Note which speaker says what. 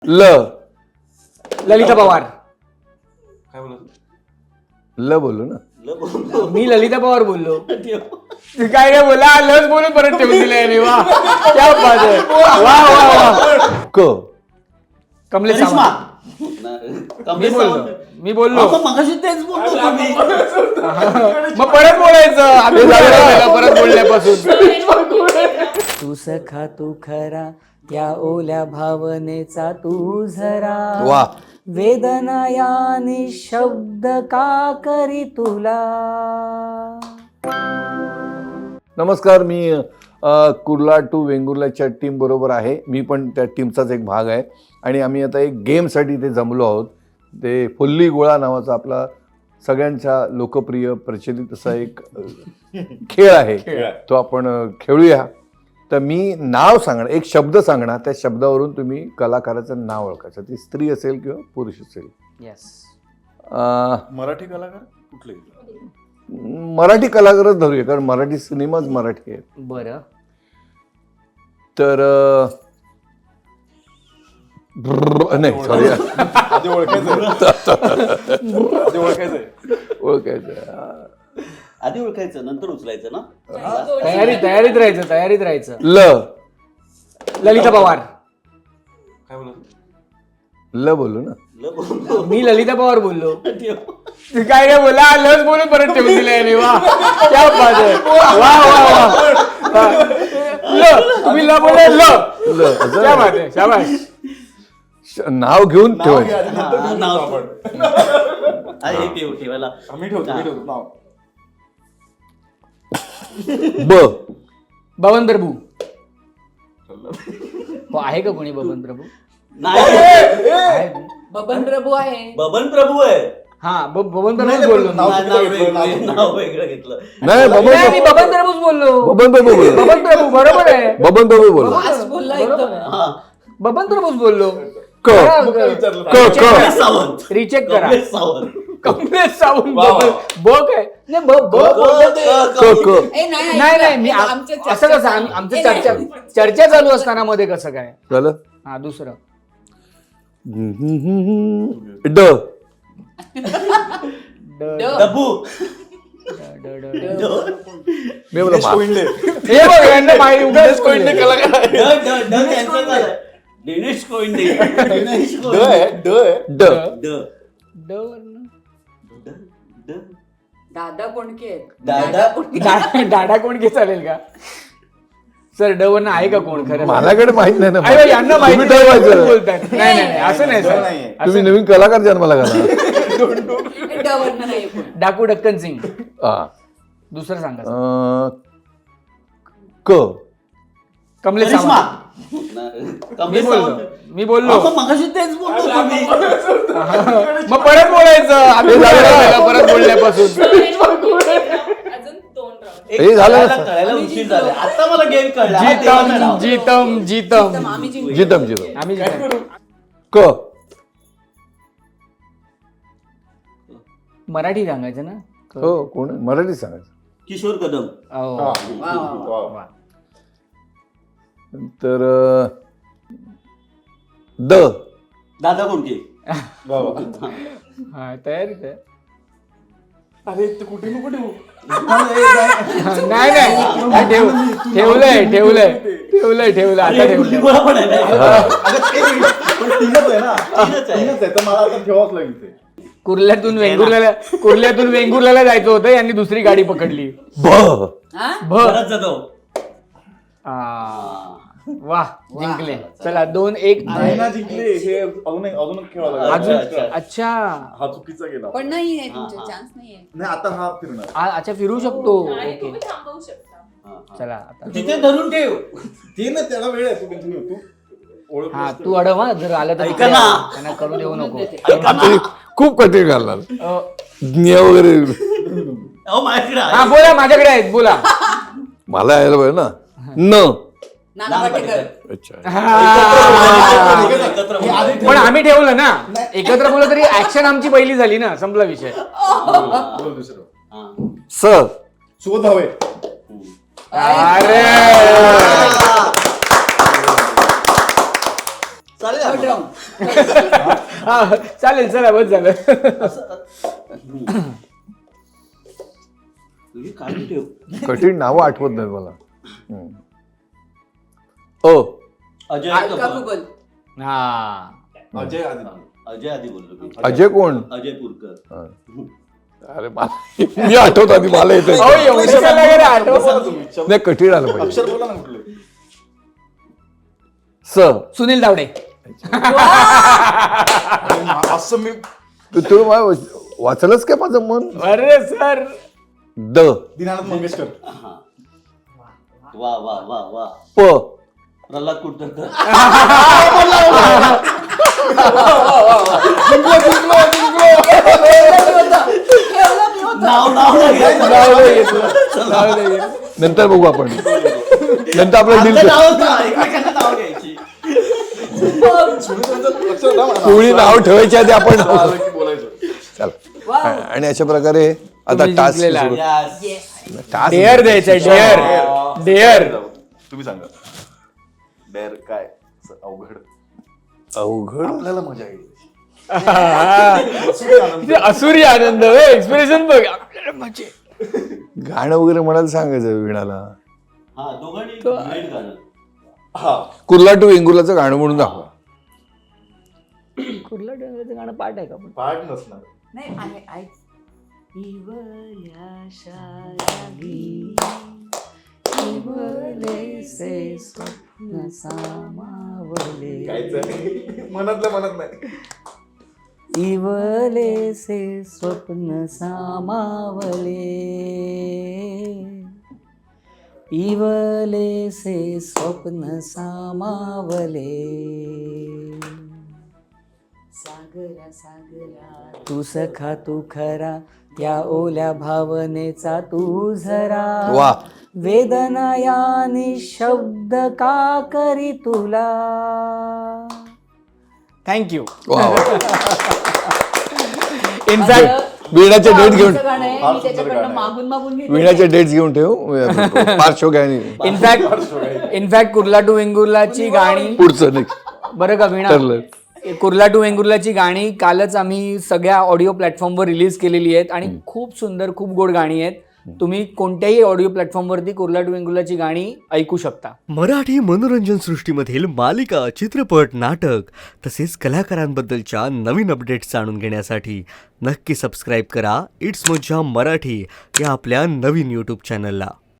Speaker 1: ललिता पवार.
Speaker 2: काय बोलत?
Speaker 3: ल बोललो ना.
Speaker 1: मी ललिता पवार बोललो. काय रे बोला, लस बोलून परत ठेवून दिलंय. वा क्या बात आहे. वा वा वा. कमलेश सावंत. मी बोललो
Speaker 4: मगाशी तेच बोलतो.
Speaker 1: मग परत बोलायचं परत बोलण्यापासून. तू सखा तू खरा या ओल्या भावनेचा तू झरा.
Speaker 3: वा.
Speaker 1: वेदना या निशब्द का करी तुला.
Speaker 3: नमस्कार, मी कुर्ला टू वेंगुर्लाच्या टीम बरोबर आहे. मी पण त्या टीमचाच एक भाग आहे आणि आम्ही आता एक गेमसाठी इथे जमलो आहोत. ते फुल्ली गोळा नावाचा आपला सगळ्यांचा लोकप्रिय प्रचलित असा एक खेळ आहे. तो आपण खेळूया. तर मी नाव सांगणार, एक शब्द सांगणार, त्या शब्दावरून तुम्ही कलाकाराचं नाव ओळखायचं. ती स्त्री असेल किंवा पुरुष असेल.
Speaker 1: येस.
Speaker 2: मराठी कलाकार कुठले?
Speaker 3: मराठी कलाकारच धरूया, कारण मराठी सिनेमाच मराठी आहे.
Speaker 1: बरं.
Speaker 3: तर नाही, सॉरी,
Speaker 2: आधी
Speaker 3: ओळखायचं.
Speaker 4: आधी ओळखायचं नंतर उचलायचं ना.
Speaker 1: तयारीत राहायचं. ललिता पवार.
Speaker 2: काय बोलत?
Speaker 3: ल बोललो ना.
Speaker 1: मी ललिता पवार बोललो. काय रे बोला, लस बोलून परत ठेवून दिलंय. वा क्या बात आहे. वा वा वा. तुम्ही ल बोला. क्या बात आहे. शाबाश.
Speaker 3: नाव घेऊन ठेवायचं.
Speaker 4: ठेवायला
Speaker 2: आम्ही ठेवतो नाव.
Speaker 1: बबन प्रभू. आहे का कोणी बबन प्रभू?
Speaker 4: नाही.
Speaker 5: बबन प्रभू आहे.
Speaker 4: बबन प्रभू आहे.
Speaker 1: हा बबन प्रभूच बोललो.
Speaker 4: नाव वेगळं घेतलं.
Speaker 3: नाही,
Speaker 1: मी बबन प्रभूच बोललो.
Speaker 3: बबन प्रभू बोललो.
Speaker 1: बबन प्रभू बरोबर आहे.
Speaker 3: बबन प्रभू बोललो.
Speaker 5: आज बोलला एकदम.
Speaker 1: बबन प्रभूच बोललो.
Speaker 4: सावंत.
Speaker 1: रिचेक करा.
Speaker 4: सावंत.
Speaker 1: कमलेश सावंत. बक आहे. नाही नाही, मी असं कसं आमचं चर्चा चालू असताना मध्ये कसं काय
Speaker 3: झालं?
Speaker 1: हा दुसरं.
Speaker 4: डब्बू.
Speaker 3: मी बोला
Speaker 1: हे बघ, यांना माहिती उगाच कोणी कलाकार.
Speaker 4: दिनेश कोइंडे.
Speaker 5: दादा कोणके आहेत.
Speaker 1: डाडा कोण चालेल का सर? ड वरनं आहे का कोण खरं?
Speaker 3: माझ्याकडे माहित नाही ना.
Speaker 1: अरे यांना माहिती
Speaker 3: तुम्ही ठरवायचं.
Speaker 1: बोलतात. नाही असं नाही सर.
Speaker 3: तुम्ही नवीन कलाकार जन्माला घाला.
Speaker 5: ड वरनं नाही कोण.
Speaker 1: डाकू डक्कन सिंग.
Speaker 3: हा.
Speaker 1: दुसरं सांगा. कमलेश सावंत. मी बोललो
Speaker 4: मगाशी तेच बोलतो.
Speaker 1: मग परत बोलायचं परत बोलण्यापासून.
Speaker 5: अजून 2 राऊंड.
Speaker 3: हे झालं.
Speaker 4: कळायला उशीर झाला. आता मला गेम कळला.
Speaker 1: जीतम
Speaker 5: आम्ही जिंकलो.
Speaker 3: जितम
Speaker 1: आम्ही मराठी सांगायचं ना.
Speaker 3: हो, कोण आहे? मराठी सांगायचं.
Speaker 4: किशोर कदम.
Speaker 5: वा.
Speaker 3: तर
Speaker 4: दादा कोणके.
Speaker 1: हा तयारीत आहे.
Speaker 2: अरे ते कुठे नको ठेवू.
Speaker 1: नाही ठेवलंय आता ठेवलंय.
Speaker 4: पण आहे ना.
Speaker 2: पण तीनच आहे ना. तीनच आहे तर मला आता ठेवाच लागेल ते.
Speaker 1: कुर्ल्यातून वेंगुर्ल्याला जायचं होतं. यांनी दुसरी गाडी पकडली.
Speaker 4: परत जातो.
Speaker 1: वा जिंकले. चला 2-1.
Speaker 2: जिंकले. हे अजून खेळायला
Speaker 1: अजून. अच्छा
Speaker 2: हा चुकीचा गेला.
Speaker 5: पण नाहीये तुमचे चान्स नाहीये.
Speaker 2: नाही, आता हा फिरणार.
Speaker 1: अच्छा फिरू शकतो.
Speaker 5: नाही,
Speaker 1: ओके
Speaker 5: तुम्ही थांबवू शकता.
Speaker 1: चला आता.
Speaker 4: तिथे धरून ठेव.
Speaker 2: ते ना, त्याला वेळ आहे. तू कंटिन्यू. तू ओळख.
Speaker 1: हा तू अडव. हा जर आलं तर
Speaker 4: ऐका ना.
Speaker 1: त्यांना करू देऊ नको.
Speaker 3: आता खूप कठीण घालणार. वगैरे
Speaker 4: माझ्याकडे
Speaker 1: हा बोला, माझ्याकडे आहेत बोला.
Speaker 3: मला यायला पाहिजे ना.
Speaker 5: नाना पाटेकर.
Speaker 3: अच्छा.
Speaker 1: पण आम्ही ठेवलं ना एकत्र बोललं तरी ऍक्शन आमची पहिली झाली ना. संपला विषय.
Speaker 3: सर
Speaker 2: सुबोध भावे.
Speaker 1: अरे
Speaker 4: चालेल
Speaker 5: थर्ड
Speaker 4: ना.
Speaker 5: राऊंड
Speaker 1: हा चालेल चला बस झालं.
Speaker 4: तुझी काळजी ठेव.
Speaker 3: कठीण नावं आठवत नाही मला.
Speaker 4: अजय
Speaker 5: अलका
Speaker 4: कपूर.
Speaker 5: कुबल.
Speaker 1: हा
Speaker 2: अजय आधी
Speaker 4: अजय आधी बोललो मी.
Speaker 3: अजय कोण?
Speaker 4: अजय पुरकर.
Speaker 3: हा. अरे मी आठवत आधी मला येत
Speaker 1: अहो, एवढं काय लागेल आठवत?
Speaker 2: बोला ना तुम्ही.
Speaker 3: नाही कठीण आलं पाहिजे.
Speaker 2: अक्षर बोला ना कुठले.
Speaker 1: सुनील तावडे.
Speaker 2: असं मी
Speaker 3: तू वाचलंच काय माझं मन?
Speaker 1: अरे सर
Speaker 3: द
Speaker 2: दीनानाथ मंगेशकर.
Speaker 4: हा. वा वा वा वा.
Speaker 3: प
Speaker 4: प्रल्हाद कुलकर्णी. नाव नाव नाही घ्यायचं.
Speaker 1: नाव नाही घेतलं. नाव नाही घेतलं.
Speaker 3: नंतर बघू आपण. नंतर आपलं डील
Speaker 4: आमचं नावच नाही, एकमेकांना नाव घ्यायची.
Speaker 2: अक्षर नाव म्हणा.
Speaker 3: कोणी नाव ठेवायच्या आधी आपण
Speaker 2: आलं की बोलायचं.
Speaker 3: चला. आणि अशा प्रकारे आता
Speaker 1: तुम्ही
Speaker 3: टास्क
Speaker 1: जिंकलेला.
Speaker 4: Yes.
Speaker 5: येस
Speaker 3: टास्क
Speaker 1: डेअर द्यायचं डेअर डेअर.
Speaker 2: तुम्ही सांगा डेअर काय असं अवघड
Speaker 3: अवघड.
Speaker 2: आपल्याला मजा येईल.
Speaker 1: किती असुरी आनंद एक्सप्रेशन बघ आपल्याला मजा.
Speaker 3: गाणं वगैरे म्हणायला सांगायचं वीणाला.
Speaker 4: हा दोघांनी duet गाणं.
Speaker 2: हा
Speaker 3: कुर्ला टू वेंगुर्लाचं गाणं म्हणून दाखवा.
Speaker 1: कुठलं डोंगराचं गाणं पाठ आहे का पण?
Speaker 2: पाठ नसणार.
Speaker 5: नाही आहे आहे
Speaker 2: काहीच नाही. मनातल्या मनात नाही.
Speaker 1: इवलेसे स्वप्न सामावले, इवलेसे स्वप्न सामावले.
Speaker 5: सागरा सागरा
Speaker 1: तू सखा तू खरा, त्या ओल्या भावनेचा तू झरा.
Speaker 3: वा.
Speaker 1: वेदना या निशब्द का करी तुला. थँक्यू.
Speaker 3: वा वा.
Speaker 1: इनफॅक्ट
Speaker 3: वीणाचे डेट घेऊन
Speaker 5: गाणं आहे
Speaker 2: फार
Speaker 5: मी
Speaker 2: सुंदर
Speaker 5: त्याच्याकडनं
Speaker 2: गाणं आहे.
Speaker 5: मागून मागून घेतलेलं
Speaker 3: वीणाचे
Speaker 5: आहे.
Speaker 3: डेट्स घेऊन ठेव. पार्श्वगायनी
Speaker 1: इनफॅक्ट कुर्ला टू वेंगुर्लाची गाणी
Speaker 3: पुढचं नाही
Speaker 1: बरं का वीणा,
Speaker 3: ठरलं.
Speaker 1: कुर्ला टू वेंगुर्लाची गाणी कालच आम्ही सगळ्या ऑडिओ प्लॅटफॉर्मवर रिलीज केलेली आहेत आणि खूप सुंदर खूप गोड गाणी आहेत. तुम्ही कोणत्याही ऑडिओ प्लॅटफॉर्मवरती कुर्ला टू वेंगुर्लाची गाणी ऐकू शकता.
Speaker 6: मराठी मनोरंजन सृष्टीमधील मालिका, चित्रपट, नाटक तसेच कलाकारांबद्दलच्या नवीन अपडेट्स जाणून घेण्यासाठी नक्की सबस्क्राईब करा इट्स मज्जा मराठी या आपल्या नवीन यूट्यूब चॅनलला.